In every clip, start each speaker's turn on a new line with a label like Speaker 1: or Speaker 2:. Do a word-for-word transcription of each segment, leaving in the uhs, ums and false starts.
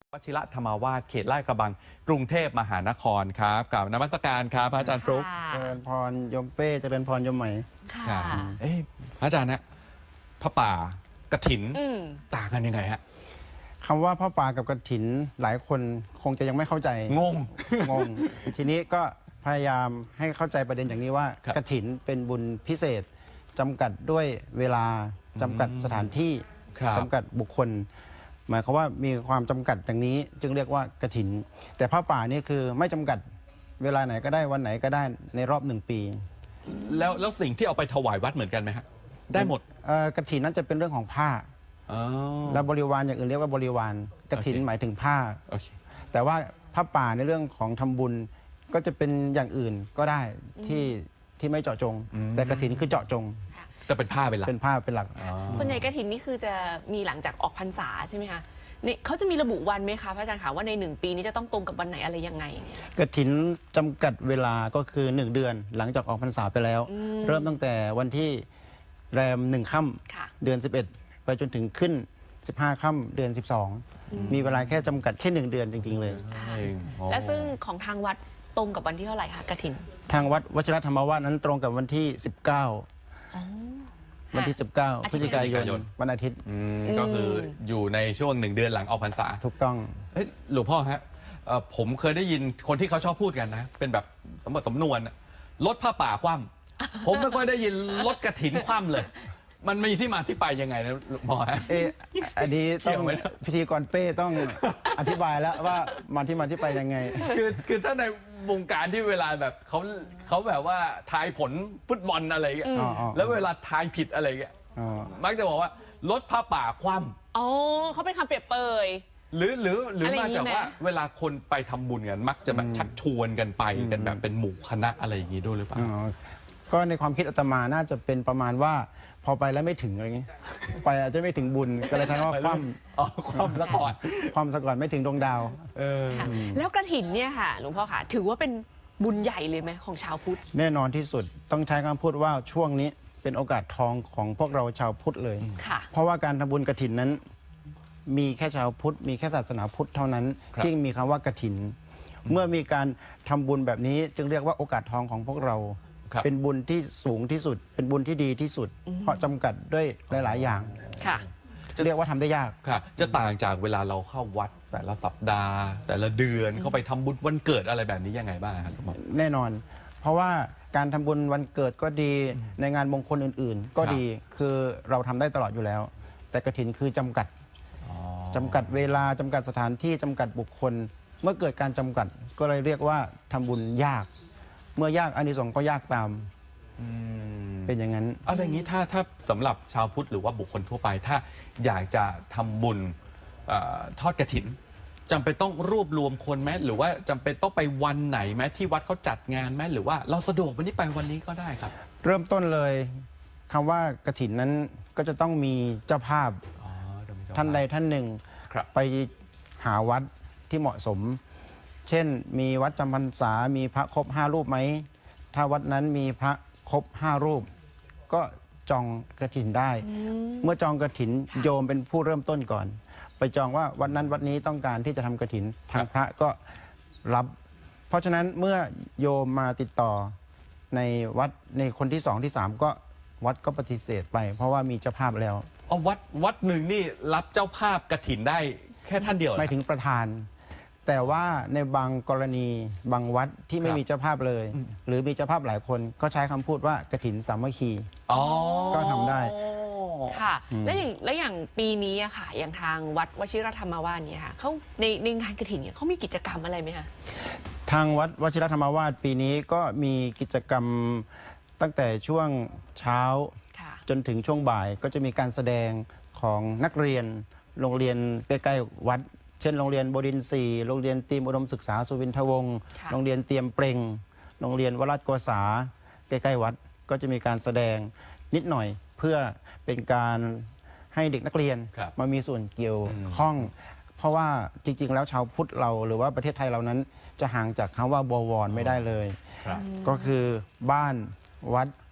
Speaker 1: วชิระธรรมวาสเขตลาดกระบังกรุงเทพมหานครครับกับนมัสการครับพระอาจารย์ฟลุ๊ก
Speaker 2: เจริญพรยมเป้เจริญพรยมไหม
Speaker 1: ค่ะเอ้พระอาจารย์นะพระป่ากฐินต่างกันยังไงฮะ
Speaker 2: คำว่าพระป่ากับกฐินหลายคนคงจะยังไม่เข้าใจ
Speaker 1: งง
Speaker 2: งงทีนี้ก็พยายามให้เข้าใจประเด็นอย่างนี้ว่ากฐินเป็นบุญพิเศษจำกัดด้วยเวลาจำกัดสถานที่จำกัดบุคคลหมายความว่ามีความจำกัดอย่างนี้จึงเรียกว่ากฐินแต่พระป่านี่คือไม่จำกัดเวลาไหนก็ได้วันไหนก็ได้ในรอบหนึ่งปี
Speaker 1: แล้วแล้วสิ่งที่เอาไปถวายวัดเหมือนกันไหมฮะได้หมด
Speaker 2: กฐินนั้นจะเป็นเรื่องของผ้าแล้วบริวารอย่างอื่นเรียกว่าบริวารกฐินหมายถึงผ้าแต่ว่าพระป่าในเรื่องของทำบุญก็จะเป็นอย่างอื่นก็ได้ที่ที่ไม่เจาะจงแต่กฐินคือเจาะจง
Speaker 1: จะเป็นผ้าเป็นหลัก
Speaker 2: เป็นผ้าเป็นหลัก
Speaker 3: ส่วนใหญ่กฐินนี่คือจะมีหลังจากออกพรรษาใช่ไหมคะนี่เขาจะมีระบุวันไหมคะพระอาจารย์คะว่าในหนึ่งปีนี้จะต้องตรงกับวันไหนอะไรยังไง
Speaker 2: กฐินจำกัดเวลาก็คือหนึ่งเดือนหลังจากออกพรรษาไปแล้วเริ่มตั้งแต่วันที่แรมหนึ่งค่ำเดือนสิบเอ็ดไปจนถึงขึ้นสิบห้าค่ำเดือนสิบสองมีเวลาแค่จำกัดแค่หนึ่งเดือนจริงๆเลย
Speaker 3: และซึ่งของทางวัดตรงกับวันที่เท่าไหร่คะกฐิน
Speaker 2: ทางวัดวชิรธรรมวาสนั้นตรงกับวันที่สิบเก้าวันที่สิบเก้าพฤศจิกายนวันอาทิตย์
Speaker 1: ก็คืออยู่ในช่วงหนึ่งเดือนหลังออกพรรษา
Speaker 2: ถูกต้อง
Speaker 1: หลวงพ่อฮะผมเคยได้ยินคนที่เขาชอบพูดกันนะเป็นแบบสมบัติสำนวนลดผ้าป่าคว่ำผมไม่ค่อยได้ยินลดกฐินคว่ำเลยมันมีที่มาที่ไปยังไงนะหลวงพ่อฮะ
Speaker 2: เอออันนี้ต้องพิธีกรเป้ต้องอธิบายแล้วว่ามาที่มาที่ไปยังไง
Speaker 1: คือคือถ้าในวงการที่เวลาแบบเขาเขาแบบว่าทายผลฟุตบอลอะไรเงี้ยแล้วเวลาทายผิดอะไรเงี้ยมักจะบอกว่าลดผ้าป่าคว่ำ
Speaker 3: อ๋อเขาเป็นคำเปรียบเปย
Speaker 1: หรือหรือหรือมาจากว่าเวลาคนไปทำบุญกันมักจะแบบชักชวนกันไปกันแบบเป็นหมู่คณะอะไรอย่างงี้ด้วยหรือเปล่า
Speaker 2: ก็ในความคิดอาตมาน่าจะเป็นประมาณว่าพอไปแล้วไม่ถึงอะไรเงี้ยไปอาจจะไม่ถึงบุญก็เลยใช้ว่าคว่ำ
Speaker 1: อ๋อคว่ำซะก่อน
Speaker 2: ความซะก่อนไม่ถึงดวงดาว
Speaker 3: แล้วกฐินเนี่ยค่ะหลวงพ่อค่ะถือว่าเป็นบุญใหญ่เลยไหมของชาวพุทธ
Speaker 2: แน่นอนที่สุดต้องใช้คำพูดว่าช่วงนี้เป็นโอกาสทองของพวกเราชาวพุทธเลยเพราะว่าการทำบุญกฐินนั้นมีแค่ชาวพุทธมีแค่ศาสนาพุทธเท่านั้นที่มีคำว่ากฐินเมื่อมีการทำบุญแบบนี้จึงเรียกว่าโอกาสทองของพวกเราเป็นบุญที่สูงที่สุดเป็นบุญที่ดีที่สุดเพราะจำกัดด้วยหลายๆอย่างจะเรียกว่าทำได้ยาก
Speaker 1: ค่ะจะต่างจากเวลาเราเข้าวัดแต่ละสัปดาห์ แต่ละเดือนเข้าไปทำบุญวันเกิดอะไรแบบนี้ยังไงบ้างครับ
Speaker 2: แน่นอนเพราะว่าการทำบุญวันเกิดก็ดีในงานมงคลอื่นๆก็ดีคือเราทำได้ตลอดอยู่แล้วแต่กฐินคือจำกัดจำกัดเวลาจำกัดสถานที่จำกัดบุคคลเมื่อเกิดการจำกัดก็เลยเรียกว่าทำบุญยากเมื่อยากอานิสงส์ก็ยากตามเป็นอย่างนั้น
Speaker 1: อะไรอย่างนี้ถ้าถ้าสำหรับชาวพุทธหรือว่าบุคคลทั่วไปถ้าอยากจะทำบุญทอดกฐินจำเป็นต้องรวบรวมคนไหมหรือว่าจำเป็นต้องไปวันไหนไหมที่วัดเขาจัดงานไหมหรือว่าเราสะดวกวันนี้ไปวันนี้ก็ได้ครับ
Speaker 2: เริ่มต้นเลยคำว่ากฐินนั้นก็จะต้องมีเจ้าภาพท่านใดท่านหนึ่งไปหาวัดที่เหมาะสมเช่นมีวัดจำพรรษามีพระครบห้ารูปไหมถ้าวัดนั้นมีพระครบห้ารูปก็จองกฐินได้เมื่อจองกฐินโยมเป็นผู้เริ่มต้นก่อนไปจองว่าวัดนั้นวัดนี้ต้องการที่จะทำกฐินทางพระก็รับเพราะฉะนั้นเมื่อโยมมาติดต่อในวัดในคนที่สองที่สามก็วัดก็ปฏิเสธไปเพราะว่ามีเจ้าภาพแล้ว
Speaker 1: อ๋อวัดวัดหนึ่งนี่รับเจ้าภาพกฐินได้แค่ท่านเดียว
Speaker 2: ไม่ถึงประธานแต่ว่าในบางกรณีบางวัดที่ไม่มีเจ้าภาพเลยหรือมีเจ้าภาพหลายคนก็ใช้คำพูดว่ากฐินสามัคคีก็ทำได้
Speaker 3: ค่ะและอย่างและอย่างปีนี้อะค่ะอย่างทางวัดวชิรธรรมวาสเนี่ยค่ะเขาในในงานกฐินเนี่ยเขามีกิจกรรมอะไรไหมคะ
Speaker 2: ทางวัดวชิรธรรมวาสปีนี้ก็มีกิจกรรมตั้งแต่ช่วงเช้าจนถึงช่วงบ่ายก็จะมีการแสดงของนักเรียนโรงเรียนใกล้ๆวัดเช่นโรงเรียนบดินทร์สี่โรงเรียนเตรียมอุดมศึกษาสุวินทวงศ์โรงเรียนเตรียมเปร่งโรงเรียนวราชโกษาใกล้ๆวัดก็จะมีการแสดงนิดหน่อยเพื่อเป็นการให้เด็กนักเรียนมามีส่วนเกี่ยวข้องเพราะว่าจริงๆแล้วชาวพุทธเราหรือว่าประเทศไทยเรานั้นจะห่างจากคำว่าบวรไม่ได้เลยก็คือบ้านวัด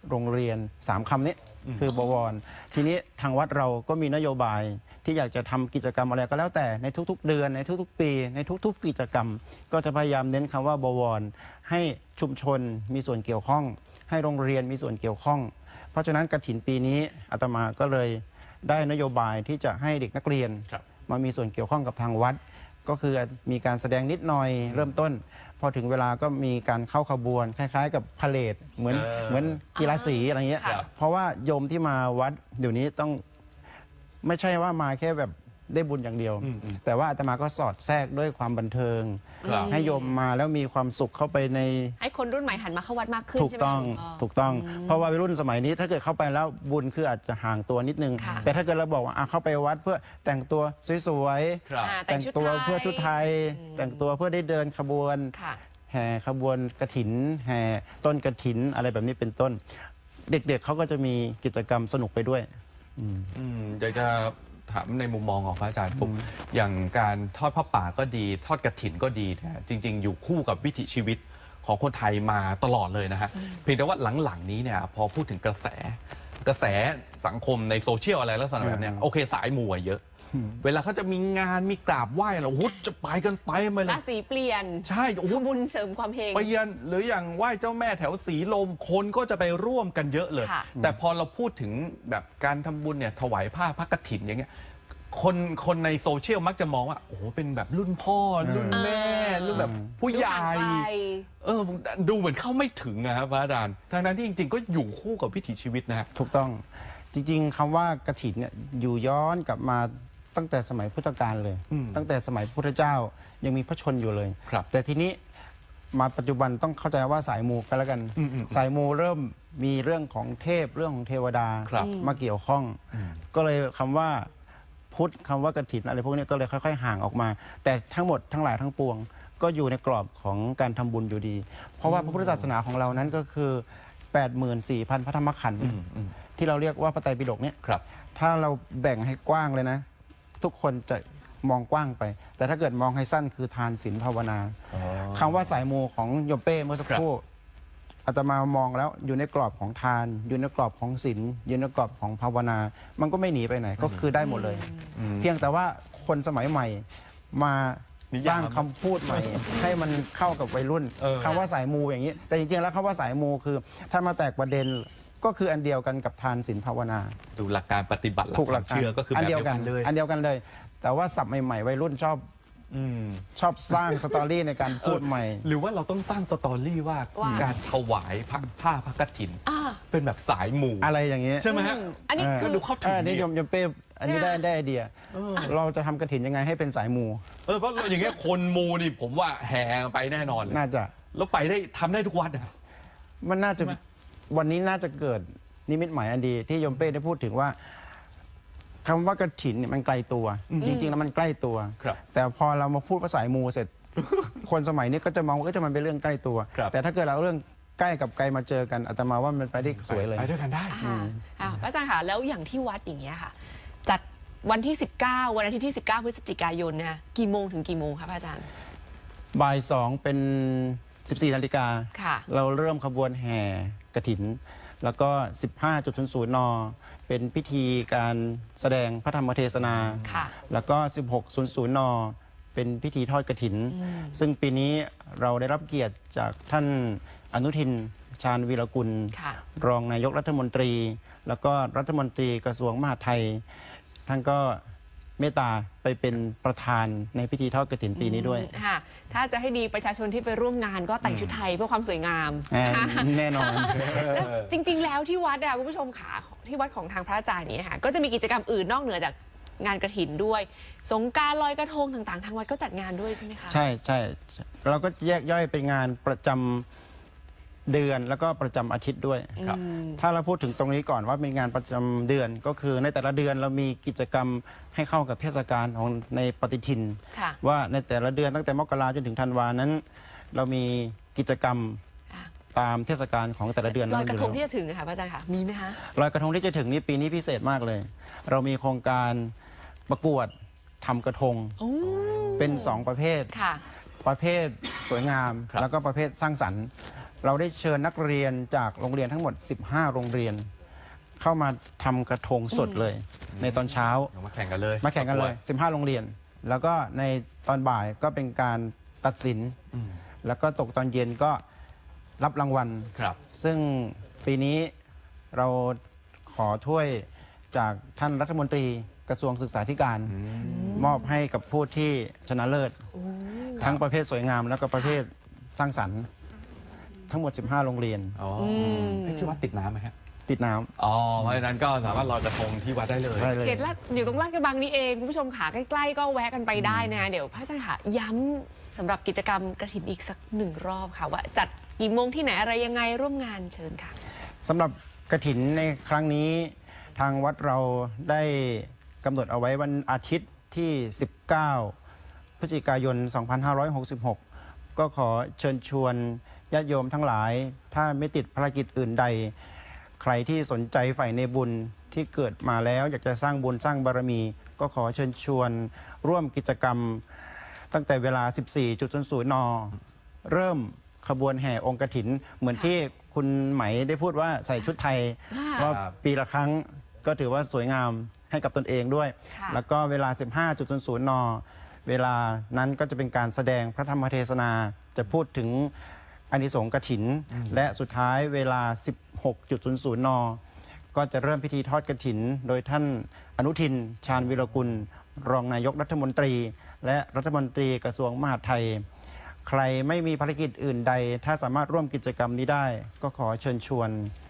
Speaker 2: โรงเรียนสามคำนี้คือบวร ทีนี้ทางวัดเราก็มีนโยบายที่อยากจะทำกิจกรรมอะไรก็แล้วแต่ในทุกๆ เดือนในทุกๆ ปี ในทุกๆ กิจกรรม ก็จะพยายามเน้นคำว่าบวร ให้ชุมชนมีส่วนเกี่ยวข้อง ให้โรงเรียนมีส่วนเกี่ยวข้อง เพราะฉะนั้นกฐินปีนี้อาตมาก็เลยได้นโยบายที่จะให้เด็กนักเรียน
Speaker 1: ครับ
Speaker 2: มามีส่วนเกี่ยวข้องกับทางวัด ก็คือมีการแสดงนิดหน่อยเริ่มต้น พอถึงเวลาก็มีการเข้าขบวน คล้ายๆ กับพาเหรดเหมือน
Speaker 1: เออ
Speaker 2: เหมือนกีฬาสีอะไรเงี้ย
Speaker 3: ครับ
Speaker 2: เพราะว่าโยมที่มาวัดเดี๋ยวนี้ต้องไม่ใช่ว่ามาแค่แบบได้บุญอย่างเดียว
Speaker 1: อืมอืม
Speaker 2: แต่ว่าอาตมาก็สอดแทรกด้วยความบันเทิง
Speaker 1: ครับ
Speaker 2: ให้โยมมาแล้วมีความสุขเข้าไปใน
Speaker 3: ให้คนรุ่นใหม่หันมาเข้าวัดมากขึ้น
Speaker 2: ถูก
Speaker 3: ใช่ไหม
Speaker 2: ต้อง
Speaker 3: คะ
Speaker 2: ถูกต้อง เพราะว่าวัยรุ่นสมัยนี้ถ้าเกิดเข้าไปแล้วบุญคืออาจจะห่างตัวนิดนึง
Speaker 3: ค่ะ
Speaker 2: แต่ถ้าเกิดเราบอกว่าอ่ะเข้าไปวัดเพื่อแต่งตัวสวย
Speaker 1: ครับ
Speaker 3: อ่า
Speaker 2: ๆแต่งตัวเพื่อชุดไทย แต่งตัวเพื่อได้เดินขบวน
Speaker 3: ค่ะ
Speaker 2: แห่ขบวนกฐิน แห่ต้นกฐินอะไรแบบนี้เป็นต้น เด็กๆเขาก็จะมีกิจกรรมสนุกไปด้วย
Speaker 1: อืมอยากจะถามในมุมมองของพระอาจารย์ฟุกอย่างการทอดผ้าป่าก็ดีทอดกฐินก็ดีนะฮะจริง ๆ อยู่คู่กับวิถีชีวิตของคนไทยมาตลอดเลยนะฮะเพียงแต่ว่าหลังๆนี้เนี่ยพอพูดถึงกระแส กระแสสังคมในโซเชียลอะไรลักษณะแบบเนี้ยโอเคสายมูอะเยอะ เวลาเขาจะมีงานมีกราบไหว้เราโอ้โหจะไปกันไปมาเล
Speaker 3: ราย ศีเปลี่ยน
Speaker 1: ใช่โอ้โห
Speaker 3: ทำบุญเสริมความเฮง
Speaker 1: ไปเยือนหรืออย่างไหว้เจ้าแม่แถวสีลมคนก็จะไปร่วมกันเยอะเลย
Speaker 3: ค่ะ
Speaker 1: แต่พอเราพูดถึงแบบการทำบุญเนี่ยถวายผ้าพระกฐินอย่างเงี้ยคนคนในโซเชียลมักจะมองว่าโอ้โหเป็นแบบรุ่นพ่อรุ่นแม่รุ่นแบบผู้ใหญ่
Speaker 3: ดูห่างไกล
Speaker 1: เออดูเหมือนเข้าไม่ถึงนะครับพระอาจารย์ทั้งนั้นที่จริง ๆ ก็อยู่คู่กับวิถีชีวิตนะฮะ
Speaker 2: ถูกต้องจริงๆคำว่ากฐินเนี่ยอยู่ย้อนกลับมาตั้งแต่สมัยพุทธกาลเลย
Speaker 1: อืม
Speaker 2: ตั้งแต่สมัยพุทธเจ้ายังมีพระชนอยู่เลย
Speaker 1: ครับ
Speaker 2: แต่ทีนี้มาปัจจุบันต้องเข้าใจว่าสายมูกันแล้วกัน
Speaker 1: อืมอืม
Speaker 2: สายมูเริ่มมีเรื่องของเทพเรื่องของเทวดา
Speaker 1: ครับ
Speaker 2: มาเกี่ยวข้อง ก็เลยคำว่าพุทธคำว่ากฐินอะไรพวกนี้ก็เลยค่อยๆห่างออกมา แต่ทั้งหมดทั้งหลายทั้งปวง ก็อยู่ในกรอบของการทำบุญอยู่ดี เพราะว่าพระพุทธศาสนาของเรานั้นก็คือ แปดหมื่นสี่พัน พระธรรมขันธ์
Speaker 1: อืมอืม
Speaker 2: ที่เราเรียกว่าพระไตรปิฎกเนี่ย
Speaker 1: ครับ
Speaker 2: ถ้าเราแบ่งให้กว้างเลยนะ ทุกคนจะมองกว้างไป แต่ถ้าเกิดมองให้สั้นคือทานศีลภาวนาคำว่าสายมูของโยมเป้เมื่อสักครู่อาตมามองแล้วอยู่ในกรอบของทาน อยู่ในกรอบของศีลอยู่ในกรอบของภาวนา มันก็ไม่หนีไปไหนก็คือได้หมดเลย เพียงแต่ว่าคนสมัยใหม่มา
Speaker 1: นิ
Speaker 2: ส
Speaker 1: ยาม
Speaker 2: ร้างคำพูดใหม่ ให้มันเข้ากับวัยรุ่น
Speaker 1: เออ
Speaker 2: คำว่าสายมูอย่างนี้ แต่จริงๆแล้วคำว่าสายมูคือถ้ามาแตกประเด็นก็คืออันเดียวกันกับทานศีลภาวนา
Speaker 1: ดูหลักการปฏิบัติหลัก
Speaker 2: ถูก
Speaker 1: ค
Speaker 2: ห
Speaker 1: วา
Speaker 2: ลั
Speaker 1: ม
Speaker 2: กการ
Speaker 1: เชื่อก็คือแบบเดียวกันเลย
Speaker 2: อันเดียวกันเลย แต่ว่าศัพท์ใหม่ๆวัยรุ่นชอบ
Speaker 1: อืม
Speaker 2: ชอบสร้างสตอรี่ในการพูดใหม่
Speaker 1: หรือว่าเราต้องสร้างสตอรี่ว่า
Speaker 3: ว่า
Speaker 1: การถวายผ้าผ้าพระกฐิน
Speaker 3: อ่า
Speaker 1: เป็นแบบสายหมู่
Speaker 2: อะไรอย่างเงี้ย
Speaker 1: ใช่ไหมฮะ
Speaker 3: อืมอันนี้
Speaker 2: เออ
Speaker 3: คือ
Speaker 1: ดูเข้าถึ
Speaker 2: เอง อนี่
Speaker 1: ดี
Speaker 2: โยมโยมเป้อันนี้
Speaker 3: ใช่
Speaker 2: ได้
Speaker 3: ไหม
Speaker 2: ได้ไอเดีย เราจะทำกระถินยังไงให้เป็นสายมู
Speaker 1: เออเพราะอย่างเงี้ยคนมูนี่ผมว่าแห่ไปแน่นอนเลย
Speaker 2: น่าจะ
Speaker 1: แล้วไปได้ทำได้ทุกวัดนะ
Speaker 2: มันน่าจะ
Speaker 1: ใช่ไหม
Speaker 2: วันนี้น่าจะเกิดนิมิตหมายอันดี ที่โยมเป้ได้พูดถึงว่าคำว่ากระถินเนี่ยมันไกลตัว จริง ๆ แล้วมันใกล้ตัว
Speaker 1: ครับ
Speaker 2: แต่พอเรามาพูดภาษาสายมูเสร็จ คนสมัยนี้ก็จะมองว่าเอ้ยจะมันเป็นเรื่องใกล้ตัว
Speaker 1: ครับ
Speaker 2: แต่ถ้าเกิดเราเอาเรื่องใกล้กับไกลมาเจอกันอาตมาว่ามันไปได้สวยเลย
Speaker 1: ไปด้วยกันได้
Speaker 3: ค่ะอ่าพระอาจารย์ค่ะแล้วอย่างที่วัดอย่างเงี้ยค่ะ จัดวันที่ สิบเก้า วันอาทิตย์ที่ สิบเก้า พฤศจิกายนนะคะกี่โมงถึงกี่โมงคะพระอาจารย์
Speaker 2: บ่ายสองเป็นสิบสี่นาฬิกา
Speaker 3: ค่ะ
Speaker 2: เราเริ่มขบวนแห่กฐิน แล้วก็ สิบห้าจุดศูนย์ศูนย์ น เป็นพิธีการแสดงพระธรรมเทศนา
Speaker 3: ค่ะ
Speaker 2: แล้วก็ สิบหกจุดศูนย์ น เป็นพิธีทอดกฐิน ซึ่งปีนี้เราได้รับเกียรติจากท่านอนุทินชาญวีรกุล
Speaker 3: ค่ะ
Speaker 2: รองนายกรัฐมนตรี แล้วก็รัฐมนตรีกระทรวงมหาดไทย ท่านก็เมตตาไปเป็นประธานในพิธีทอดกฐินปีนี้ด้วย
Speaker 3: ค่ะ ถ้าจะให้ดีประชาชนที่ไปร่วมงานก็แต่งชุดไทยเพื่อความสวยงาม
Speaker 2: อ่าแน่นอน
Speaker 3: แล้วจริง ๆ แล้วที่วัดอะคุณผู้ชมขาที่วัดของทางพระอาจารย์นี้ค่ะก็จะมีกิจกรรมอื่นนอกเหนือจากงานกฐินด้วย สงกรานต์ลอยกระทงต่างๆ ทางวัดก็จัดงานด้วยใช่ไหมคะ
Speaker 2: ใช่ใช่เราก็แยกย่อยเป็นงานประจำเดือนแล้วก็ประจำอาทิตย์ด้วย
Speaker 1: ครับ
Speaker 2: ถ้าเราพูดถึงตรงนี้ก่อนว่าเป็นงานประจำเดือนก็คือในแต่ละเดือนเรามีกิจกรรมให้เข้ากับเทศกาลของในปฏิทิน
Speaker 3: ค่ะ
Speaker 2: ว่าในแต่ละเดือนตั้งแต่มกราจนถึงธันวานั้น เรามีกิจกรรม
Speaker 3: อ่ะ
Speaker 2: ตามเทศกาลของแต่ละเดือน
Speaker 3: ลอยกระทง
Speaker 2: นั้น
Speaker 3: ที่
Speaker 2: อยู่
Speaker 3: จะถึงอะค่ะพระอาจารย์ค่ะมีไหมคะ
Speaker 2: แล้วลอยกระทงที่จะถึงนี้ปีนี้พิเศษมากเลย เรามีโครงการประกวดทำกระทง
Speaker 3: โอ้
Speaker 2: เป็นสองประเภท
Speaker 3: ค่ะ
Speaker 2: ประเภทสวยงาม
Speaker 1: ครับ
Speaker 2: แล้วก็ประเภทสร้างสรรค์เราได้เชิญนักเรียนจากโรงเรียนทั้งหมด สิบห้า โรงเรียน เข้ามาทำกระทงสดเลย ในตอนเช้า
Speaker 1: มาแข่งกันเลย
Speaker 2: มาแข่งกันเลย สิบห้า โรงเรียน แล้วก็ในตอนบ่ายก็เป็นการตัดสิน
Speaker 1: อืม
Speaker 2: แล้วก็ตกตอนเย็นก็รับรางวัล
Speaker 1: ครับ
Speaker 2: ซึ่งปีนี้เราขอถ้วยจากท่านรัฐมนตรีกระทรวงศึกษาธิการ มอบให้กับผู้ที่ชนะเลิศ ทั้งประเภทสวยงามแล้วก็ประเภทสร้างสรรค์ ทั้งหมด สิบห้า โรงเรียน
Speaker 1: อ๋ออ
Speaker 3: ม
Speaker 1: เอ๊ะที่วัดติดน้ำไหมฮะ
Speaker 2: ติดน้ำ
Speaker 1: อ๋อเพราะฉะนั้นก็สามารถลอยกระทงที่วัดได้เลย
Speaker 2: ได้เลย
Speaker 3: เขตลาดอยู่ตรงลาดกระบังนี่เองคุณผู้ชมขาใกล้ๆก็แวะกันไปได้นะเดี๋ยวพระอาจารย์ค่ะย้ำสำหรับกิจกรรมกระถินอีกสักหนึ่งรอบค่ะว่าจัดกี่โมงที่ไหนอะไรยังไงร่วมงานเชิญค่ะ
Speaker 2: สำหรับกฐินในครั้งนี้ทางวัดเราได้กำหนดเอาไว้วันอาทิตย์ที่ สิบเก้า พฤศจิกายน สองพันห้าร้อยหกสิบหก ก็ขอเชิญชวนญาติโยมทั้งหลาย ถ้าไม่ติดภารกิจอื่นใด ใครที่สนใจใฝ่ในบุญที่เกิดมาแล้ว อยากจะสร้างบุญสร้างบารมี ก็ขอเชิญชวนร่วมกิจกรรม ตั้งแต่เวลา สิบสี่น น เริ่มขบวนแห่องค์กฐิน เหมือนที่คุณไหมได้พูดว่าใส่ชุดไทย
Speaker 3: ค่ะ
Speaker 2: ว่าปีละครั้งก็ถือว่าสวยงามให้กับตนเองด้วย
Speaker 3: ค่ะ
Speaker 2: แล้วก็เวลา สิบห้าน น เวลานั้นก็จะเป็นการแสดงพระธรรมเทศนา จะพูดถึงอานิสงส์กฐิน และสุดท้ายเวลา สิบหกน น ก็จะเริ่มพิธีทอดกฐิน โดยท่านอนุทิน ชาญวิรกุล รองนายกรัฐมนตรี และรัฐมนตรีกระทรวงมหาดไทย ใครไม่มีภารกิจอื่นใด ถ้าสามารถร่วมกิจกรรมนี้ได้ ก็ขอเชิญชวน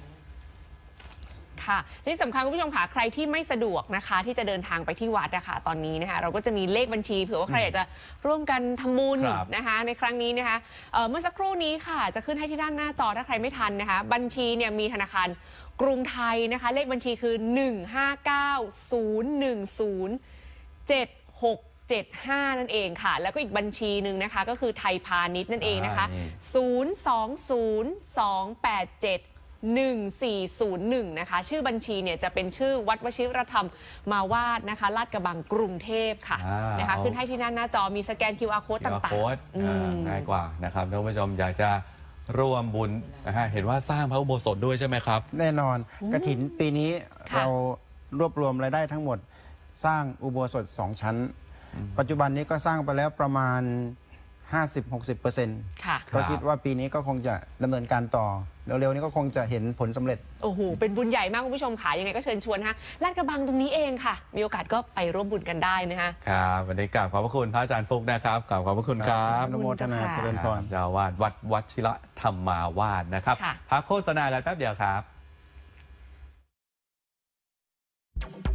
Speaker 3: ค่ะที่สำคัญคุณผู้ชมค่ะใครที่ไม่สะดวกนะคะ ที่จะเดินทางไปที่วัดนะคะตอนนี้นะคะเราก็จะมีเลขบัญชีเผื่อว่าใครอยากจะร่วมกันทำบุญ
Speaker 1: ครับ
Speaker 3: นะคะในครั้งนี้นะคะเอ่อเมื่อสักครู่นี้ค่ะจะขึ้นให้ที่ด้านหน้าจอถ้าใครไม่ทันนะคะบัญชีเนี่ยมีธนาคารกรุงไทยนะคะเลขบัญชีคือ หนึ่ง ห้า เก้า ศูนย์ หนึ่ง ศูนย์ เจ็ด หก เจ็ด ห้า นั่นเองค่ะแล้วก็อีกบัญชีหนึ่งนะคะก็คือไทยพาณิชย์นั่นเองนะคะ
Speaker 1: อ่านี่
Speaker 3: ศูนย์ สอง ศูนย์ สอง แปด เจ็ด หนึ่ง สี่ ศูนย์ หนึ่ง นะคะชื่อบัญชีเนี่ยจะเป็นชื่อวัดวชิรธรรมมาวาดนะคะลาดกระบังกรุงเทพค่ะ
Speaker 1: อ่าน
Speaker 3: นะคะ
Speaker 1: เอา
Speaker 3: ขึ้นให้ที่หน้าหน้าจอมีสแกน คิว อาร์ code
Speaker 1: คิว อาร์
Speaker 3: ต่าง
Speaker 1: โค้ด
Speaker 3: ๆอืม
Speaker 1: ง่ายกว่านะครับท่านผู้ชมอยากจะร่วมบุญนะฮะเห็นว่าสร้างพระอุโบสถด้วยใช่ไหมครับ
Speaker 2: แน่นอนกฐินปีนี้
Speaker 3: ค่ะ
Speaker 2: เรารวบรวมรายได้ทั้งหมด สร้างอุโบสถสองชั้น ปัจจุบันนี้ก็สร้างไปแล้วประมาณ ห้าสิบถึงหกสิบเปอร์เซ็นต์
Speaker 3: ค่ะ
Speaker 2: ก็คิดว่าปีนี้ก็คงจะดำเนินการต่อ เร็วๆนี้ก็คงจะเห็นผลสำเร็จ
Speaker 3: โอ้โหเป็นบุญใหญ่มากคุณผู้ชมค่ะยังไงก็เชิญชวนนะคะลาดกระบังตรงนี้เองค่ะ มีโอกาสก็ไปร่วมบุญกันได้นะคะ
Speaker 1: ครับวันนี้กราบขอบพระคุณพระอาจารย์ฟุกนะครับกราบขอบพระคุณครับ
Speaker 2: อนุโมทนาเจริญพร
Speaker 1: เจ้าอาวาดวัดวัชิระธรรมาวาสนะครับ
Speaker 3: ค่ะ
Speaker 1: พักโฆษณากันแป๊บเดียวครับ